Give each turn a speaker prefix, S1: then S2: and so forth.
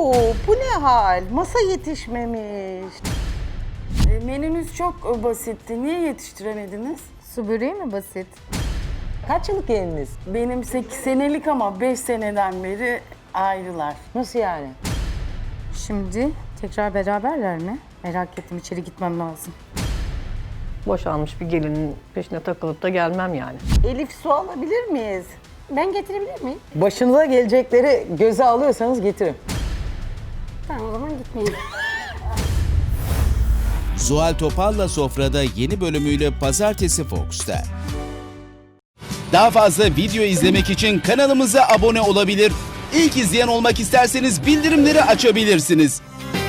S1: Oo, bu ne hal? Masa yetişmemiş.
S2: Menünüz çok basitti. Niye yetiştiremediniz?
S3: Su böreği mi basit?
S1: Kaç yıllık geliniz?
S2: Benim 8 senelik ama 5 seneden beri ayrılar.
S1: Nasıl yani?
S3: Şimdi tekrar beraberler mi? Merak ettim, içeri gitmem lazım.
S4: Boşanmış bir gelinin peşine takılıp da gelmem yani.
S1: Elif, su alabilir miyiz?
S3: Ben getirebilir miyim?
S1: Başınıza gelecekleri göze alıyorsanız getirin.
S3: Tamam, o zaman gitmeyeyim.
S5: Zuhal Topal'la Sofra'da yeni bölümüyle Pazartesi Fox'ta. Daha fazla video izlemek için kanalımıza abone olabilir. İlk izleyen olmak isterseniz bildirimleri açabilirsiniz.